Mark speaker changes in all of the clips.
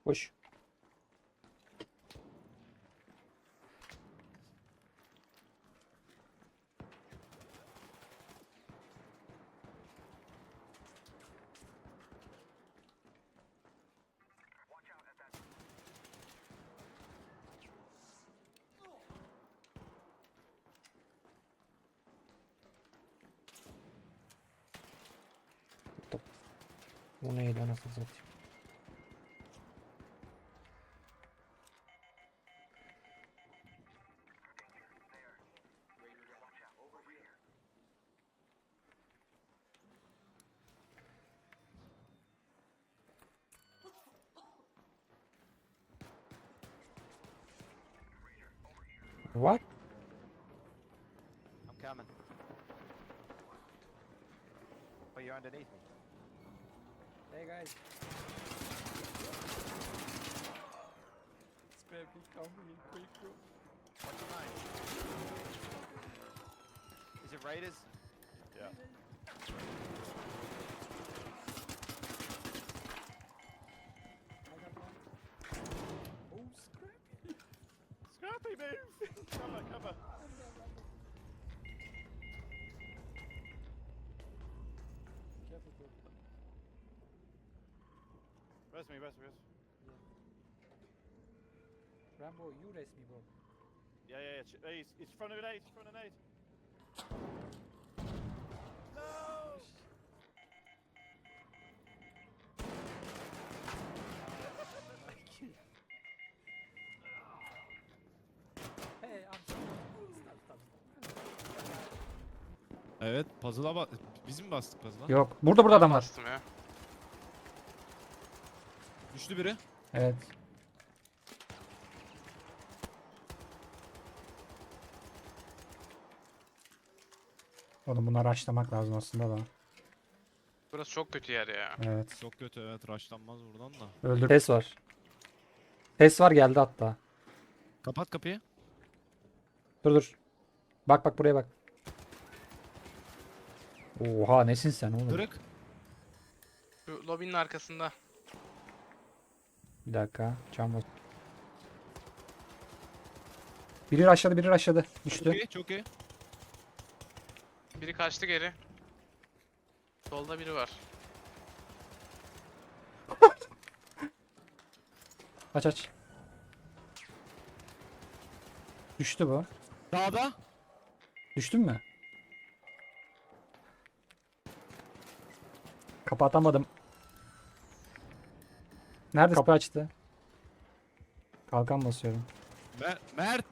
Speaker 1: Koş. Bu neydi anasını satayım. What?
Speaker 2: I'm coming. Oh, you're underneath me.
Speaker 1: Hey guys. Spare me coming in quick bro.
Speaker 2: What's your name? Is it Raiders? Yeah.
Speaker 1: Oh scrappy.
Speaker 2: Scrappy, move! Cover, cover.
Speaker 1: Careful bro.
Speaker 2: Rest me, rest me, rest.
Speaker 1: Rambo you rest me bro.
Speaker 2: Yeah, yeah, yeah. Hey, it's front of an eight, front of an eight. No!
Speaker 1: Hey I'm stop stop stop.
Speaker 3: Evet, puzzle'a bak. Biz mi bastık puzzle'a?
Speaker 4: Yok. Burada adam var.
Speaker 5: Bastım ya.
Speaker 3: Düştü biri.
Speaker 4: Evet. Oğlum bunları açlamak lazım aslında da.
Speaker 5: Burası çok kötü yer ya.
Speaker 4: Evet.
Speaker 3: Çok kötü, evet, rushlanmaz buradan da.
Speaker 4: Öldür. Ses var. Ses var geldi hatta.
Speaker 3: Kapat kapıyı.
Speaker 4: Dur dur. Bak bak buraya bak. Oha nesin sen oğlum?
Speaker 3: Kırık.
Speaker 5: Şu lobinin arkasında.
Speaker 4: Bir dakika. Cam bas. Biri aşağıda biri aşağıda.
Speaker 3: Çok
Speaker 4: Düştü.
Speaker 3: iyi, çok iyi.
Speaker 5: Biri kaçtı geri. Solda biri var.
Speaker 4: Aç aç. Düştü bu.
Speaker 3: Dağda.
Speaker 4: Düştün mü? Kapatamadım. Nerede? Kapı açtı. Kalkan basıyorum.
Speaker 3: Mert.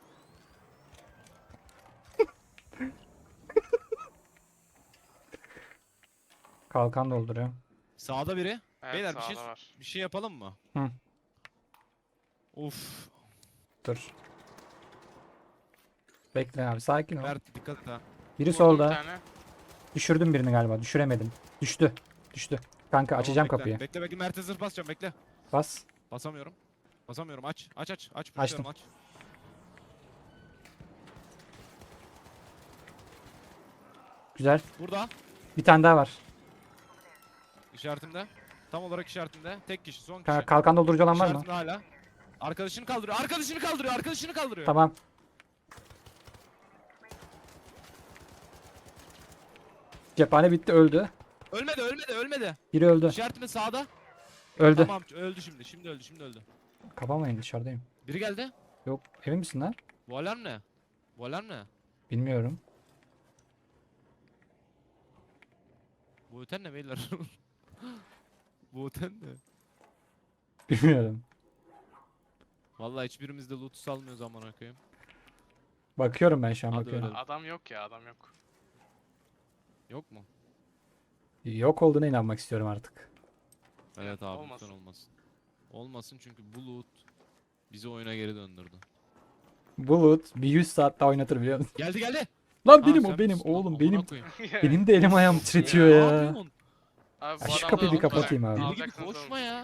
Speaker 4: Kalkan dolduruyorum.
Speaker 3: Sağda biri.
Speaker 5: Evet,
Speaker 3: Beyler
Speaker 5: sağda var.
Speaker 3: bir şey yapalım mı?
Speaker 4: Hı.
Speaker 3: Uf.
Speaker 4: Dur. Bekle abi sakin ol.
Speaker 3: Mert dikkat et ha.
Speaker 4: Biri
Speaker 5: Vurdum bir
Speaker 4: solda.
Speaker 5: tane.
Speaker 4: Düşürdüm birini galiba. Düşüremedim. Düştü. Düştü. Kanka açacağım
Speaker 3: Tamam,
Speaker 4: kapıyı.
Speaker 3: bekle. Bekle Mert'e zırh basacağım, bekle.
Speaker 4: Bas.
Speaker 3: Basamıyorum. Basamıyorum, aç. Aç.
Speaker 4: Açtım.
Speaker 3: Açıyorum, aç.
Speaker 4: Güzel.
Speaker 3: Burada.
Speaker 4: Bir tane daha var.
Speaker 3: İşaretimde. Tam olarak işaretimde. Tek kişi, son kişi.
Speaker 4: Kalkan doldurucu olan var mı?
Speaker 3: İşaretimde hala. Arkadaşını kaldırıyor. Arkadaşını kaldırıyor.
Speaker 4: Tamam. Cephane bitti öldü.
Speaker 3: Ölmedi.
Speaker 4: Biri öldü.
Speaker 3: İşaretimi sağda.
Speaker 4: Öldü.
Speaker 3: Tamam, öldü şimdi. Şimdi öldü.
Speaker 4: Kapamayın dışarıdayım.
Speaker 3: Biri geldi.
Speaker 4: Yok emin misin lan?
Speaker 3: Bu alarm ne? Bu alarm ne?
Speaker 4: Bilmiyorum.
Speaker 3: Bu öten ne beyler? Bu öten ne?
Speaker 4: Bilmiyorum.
Speaker 3: Vallahi hiçbirimiz de loot salmıyoruz amına koyayım.
Speaker 4: Bakıyorum ben şu an
Speaker 3: Hadi
Speaker 4: bakıyorum.
Speaker 3: öyle.
Speaker 5: Adam yok ya, adam yok.
Speaker 3: Yok mu?
Speaker 4: Yok olduğuna inanmak istiyorum artık.
Speaker 3: Evet abi,
Speaker 5: Olmasın.
Speaker 3: lütfen olmasın. Olmasın çünkü bu loot bizi oyuna geri döndürdü.
Speaker 4: Bulut bir 100 saat daha oynatır biliyor musun?
Speaker 3: Geldi.
Speaker 4: Lan
Speaker 3: Ha,
Speaker 4: benim
Speaker 3: sen
Speaker 4: o benim
Speaker 3: misin lan?
Speaker 4: oğlum
Speaker 3: Amına
Speaker 4: benim.
Speaker 3: koyayım.
Speaker 4: Benim de elim ayağım titretiyor
Speaker 3: Ne
Speaker 4: ya.
Speaker 3: yapıyorsun?
Speaker 5: Abi
Speaker 4: Ya
Speaker 5: bu
Speaker 4: şu
Speaker 5: adamda
Speaker 4: kapıyı bir
Speaker 5: loot var.
Speaker 4: kapatayım abi.
Speaker 3: Deli gibi
Speaker 5: Alacaksınız oğlum.
Speaker 3: koşma ya.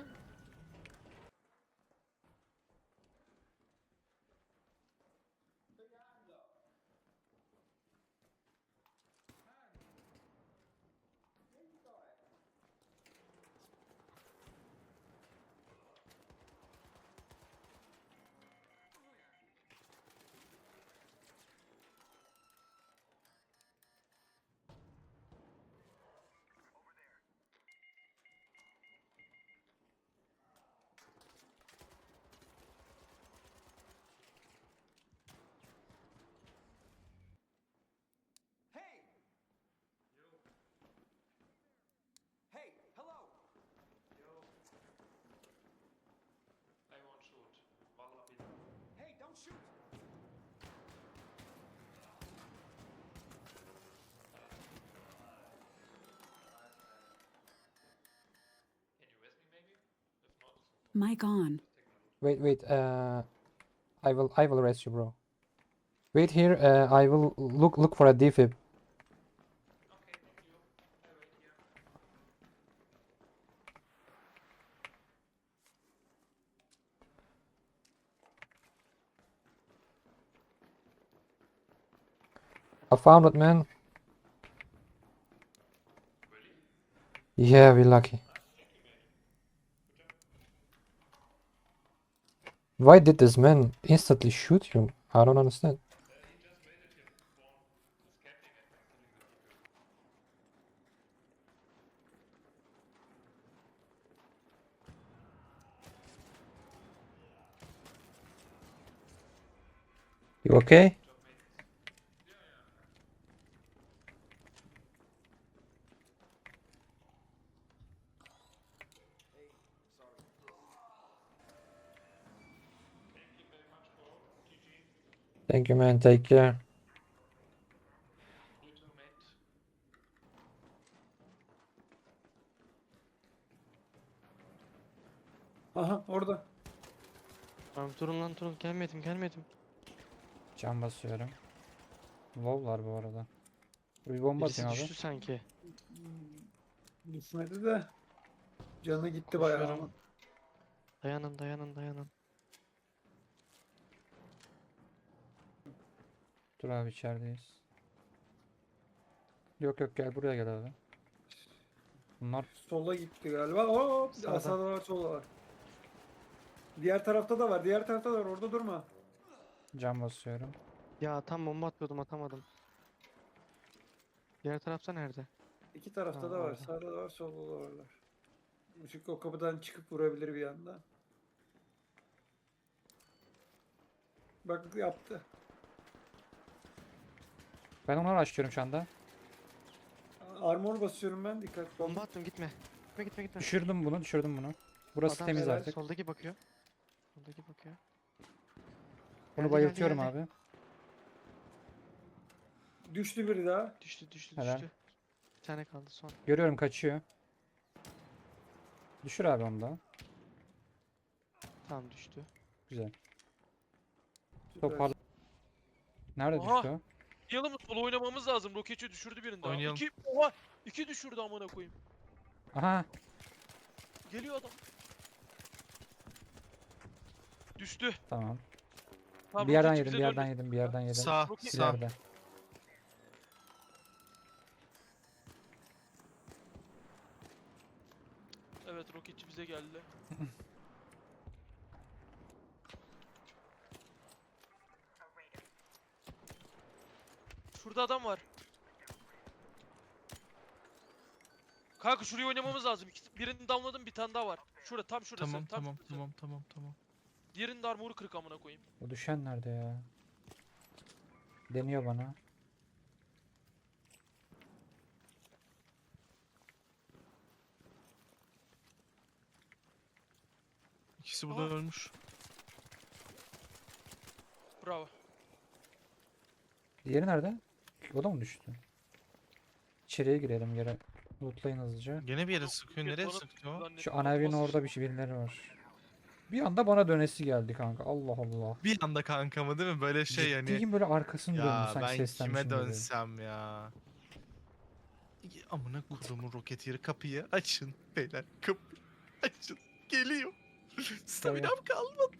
Speaker 6: Mic on.
Speaker 4: Wait, wait. I will rest you, bro. Wait here. I will look for a defib. I found it, man. Yeah, we're lucky. Why did this man instantly shoot you? I don't understand. You okay? Thank you, man. Take care.
Speaker 7: Aha orada.
Speaker 8: Tamam durun lan durun. Gelmedim.
Speaker 4: Can basıyorum. Low'lar bu arada. Bir bomba
Speaker 8: Birisi
Speaker 4: atayım abi.
Speaker 8: düştü sanki.
Speaker 7: Düşmedi de. Canı gitti bayağı ama.
Speaker 8: Koşuyorum. Dayanın.
Speaker 4: Dur abi içerideyiz. Yok yok gel buraya gel abi. Bunlar
Speaker 7: Sola gitti galiba. Hop.
Speaker 4: Sağda.
Speaker 7: Sağda var solda var. Diğer tarafta da var. Diğer tarafta da var. Orada durma.
Speaker 4: can basıyorum.
Speaker 8: Ya tam bomba atıyordum atamadım. Diğer tarafta nerede?
Speaker 7: İki tarafta
Speaker 8: Ha,
Speaker 7: da var.
Speaker 8: orada.
Speaker 7: Sağda da var. Solda da varlar. Çünkü o kapıdan çıkıp vurabilir bir anda. Bak yaptı.
Speaker 4: Ben onları açıyorum şu anda.
Speaker 7: Armor basıyorum ben. Dikkat.
Speaker 8: Bomba attım gitme. Gitme.
Speaker 4: Düşürdüm bunu. Burası
Speaker 8: Adam
Speaker 4: temiz
Speaker 7: helal.
Speaker 4: artık.
Speaker 8: Soldaki bakıyor.
Speaker 4: Bunu
Speaker 8: Geldi,
Speaker 4: bayıltıyorum
Speaker 8: geldi.
Speaker 4: abi.
Speaker 7: Düştü biri daha.
Speaker 8: Düştü.
Speaker 4: Helal.
Speaker 8: Bir tane kaldı son.
Speaker 4: Görüyorum kaçıyor. Düşür abi onu da.
Speaker 8: Tamam düştü.
Speaker 4: Güzel.
Speaker 7: Süper.
Speaker 4: Topar. Nerede
Speaker 9: Aha!
Speaker 4: düştü o?
Speaker 9: Oynayalım mı? Solo oynamamız lazım. Roketçi düşürdü birini daha.
Speaker 3: Oynayalım.
Speaker 9: Oha! 2 düşürdü amına koyayım.
Speaker 4: Aha.
Speaker 9: Geliyor adam. Düştü.
Speaker 4: Tamam.
Speaker 9: Tamam,
Speaker 4: Bir yerden
Speaker 9: roketçi
Speaker 4: yedim,
Speaker 9: bize
Speaker 4: bir yerden
Speaker 9: döndü.
Speaker 4: yedim, bir yerden yedim.
Speaker 3: Sağ,
Speaker 9: Roket-
Speaker 3: sağ.
Speaker 4: İleride.
Speaker 9: Evet, roketçi bize geldi. Şurada adam var. Kanka şurayı oynamamız lazım. Birini downladım, bir tane daha var. Şurada, tam şurası.
Speaker 3: Tamam,
Speaker 9: tam
Speaker 3: tamam,
Speaker 9: şurası.
Speaker 3: tamam.
Speaker 9: Diğerinin de armoru kırık amına koyayım.
Speaker 4: O düşen nerede ya? Deniyor bana.
Speaker 3: İkisi burada
Speaker 9: Aha.
Speaker 3: ölmüş.
Speaker 9: Bravo.
Speaker 4: Diğeri nerede? O da mı düştü? İçeriye girelim yere. Lootlayın hızlıca.
Speaker 3: Gene bir yere
Speaker 9: Yok,
Speaker 3: sıkıyor.
Speaker 9: roket
Speaker 3: Nereye
Speaker 9: bana
Speaker 3: sıktı o?
Speaker 9: zannettim,
Speaker 4: Şu ana evin
Speaker 9: atmaz
Speaker 4: orada
Speaker 9: işte.
Speaker 4: birileri var. Bir anda bana dönesi geldi kanka. Allah Allah.
Speaker 3: Bir anda kanka mı değil mi? Böyle şey hani.
Speaker 4: Ciddiyim böyle arkasını döndü
Speaker 3: Ya
Speaker 4: sanki
Speaker 3: ben
Speaker 4: seslenmişim
Speaker 3: kime
Speaker 4: gibi.
Speaker 3: dönsem ya. Amına kodumun roket yeri, kapıyı açın beyler. Kapı açın. Geliyor. Staminam kalmadı.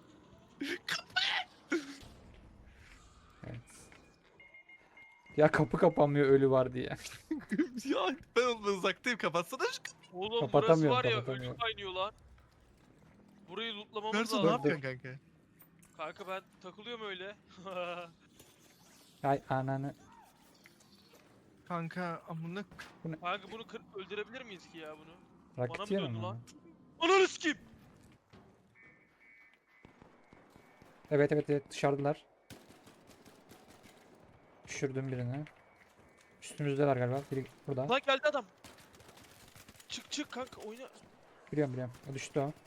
Speaker 4: Evet. Ya kapı kapanmıyor ölü var diye.
Speaker 3: Ya ben ondan uzaktayım, kapatsana şu kapıyı.
Speaker 9: Oğlum burası
Speaker 4: Kapatamıyorum,
Speaker 9: var ya, ölü
Speaker 4: kapatamıyorum.
Speaker 9: kaynıyor lan. Burayı lootlamamız
Speaker 3: Merso ne
Speaker 9: lazım.
Speaker 3: yapıyorsun kanka?
Speaker 9: Kanka ben takılıyorum öyle.
Speaker 4: Ay ananı.
Speaker 3: Kanka amına
Speaker 9: Kanka bunu öldürebilir miyiz ki ya bunu? Bana mı
Speaker 4: Rakit yiyor
Speaker 9: döndü
Speaker 4: mu?
Speaker 9: lan? Ananı sikeyim!
Speaker 4: Evet dışarıdalar. Düşürdüm birini. Üstümüzdeler galiba. Biri burada.
Speaker 9: Lan geldi adam. Çık kanka oyna.
Speaker 4: Biliyorum. O düştü o.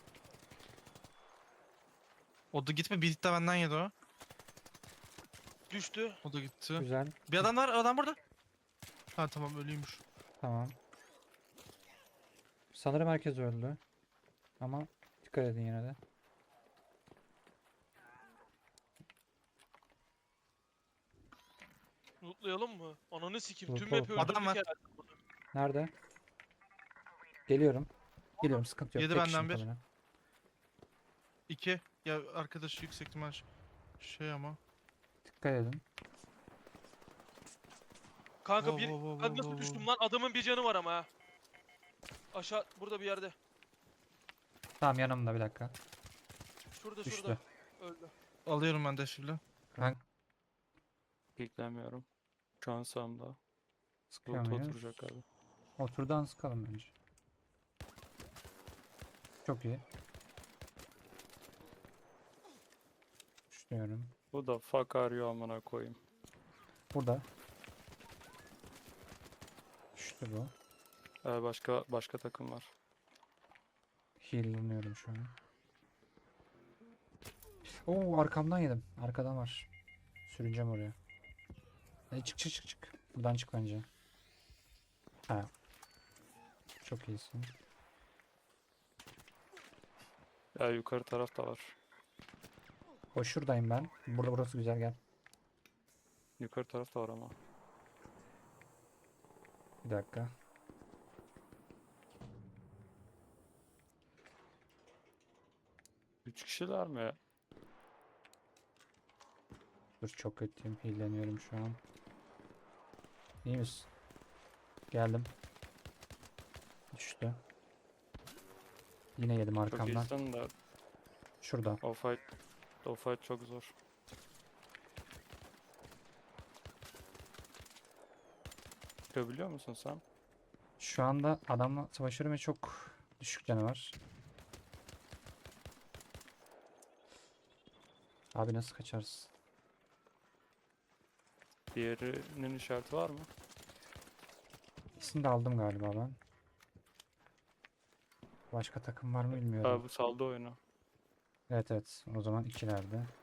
Speaker 3: O da gitme, bir hit de benden yedi o.
Speaker 9: Düştü.
Speaker 3: O da gitti.
Speaker 4: Güzel.
Speaker 3: Bir adam var, adam burada. Ha tamam, ölüymüş.
Speaker 4: Tamam. Sanırım herkes öldü. Ama Dikkat edin yine de.
Speaker 9: Lootlayalım mı? Ananı sikeyim. Tüm
Speaker 4: Lootla,
Speaker 9: map'i
Speaker 4: lootla.
Speaker 3: Adam
Speaker 9: öldürdük
Speaker 3: var.
Speaker 9: herhalde.
Speaker 4: Nerede? Geliyorum. Geliyorum, sıkıntı yok.
Speaker 3: Yedi
Speaker 4: Tek kişi
Speaker 3: benden bir.
Speaker 4: muhtemelen.
Speaker 3: 2. Ya arkadaşı yüksek ihtimal şey ama.
Speaker 4: Dikkat edin.
Speaker 9: Kanka
Speaker 3: Wow,
Speaker 9: bir...
Speaker 3: wow, wow,
Speaker 9: Ben
Speaker 3: wow,
Speaker 9: nasıl
Speaker 3: wow,
Speaker 9: düştüm
Speaker 3: wow.
Speaker 9: lan? Adamın bir canı var ama ha. Aşağı burada bir yerde.
Speaker 4: Tamam, yanımda, bir dakika.
Speaker 9: Şurada
Speaker 4: Düştü.
Speaker 9: şurada. Öldü.
Speaker 3: Alıyorum ben de şimdi.
Speaker 8: Piklemiyorum. Şu an sağımda.
Speaker 4: Sıkıyor
Speaker 8: Loot
Speaker 4: muyuz?
Speaker 8: oturacak abi.
Speaker 4: Oturdan sıkalım bence. Çok iyi. Düşünüyorum.
Speaker 8: Bu da fuck arıyor amına koyayım.
Speaker 4: Burada. Düştü bu.
Speaker 8: Başka takım var.
Speaker 4: Heal'lanıyorum şu an. Oo, arkamdan yedim. Arkadan var. Sürüneceğim oraya. Çık çık çık çık. Buradan çık bence. Ha. Çok iyisin.
Speaker 8: Ya yukarı tarafta var.
Speaker 4: O şuradayım ben. Burası güzel, gel.
Speaker 8: Yukarı tarafta var ama.
Speaker 4: Bir dakika.
Speaker 8: Üç kişiler mi?
Speaker 4: Dur, çok kötüyüm. Heal'leniyorum şu an. İyi misin? Geldim. Düştü. Yine yedim
Speaker 8: Çok
Speaker 4: arkamdan.
Speaker 8: iyisin de
Speaker 4: Şurada.
Speaker 8: o fight çok zor. Çıkabiliyor musun sen?
Speaker 4: Şu anda adamla savaşıyorum ve çok düşük canı var. Abi nasıl kaçarız?
Speaker 8: Diğerinin işareti var mı?
Speaker 4: İkisini de aldım galiba ben. Başka takım var mı bilmiyorum.
Speaker 8: Abi saldı oyunu.
Speaker 4: Evet evet. O zaman ikilerde.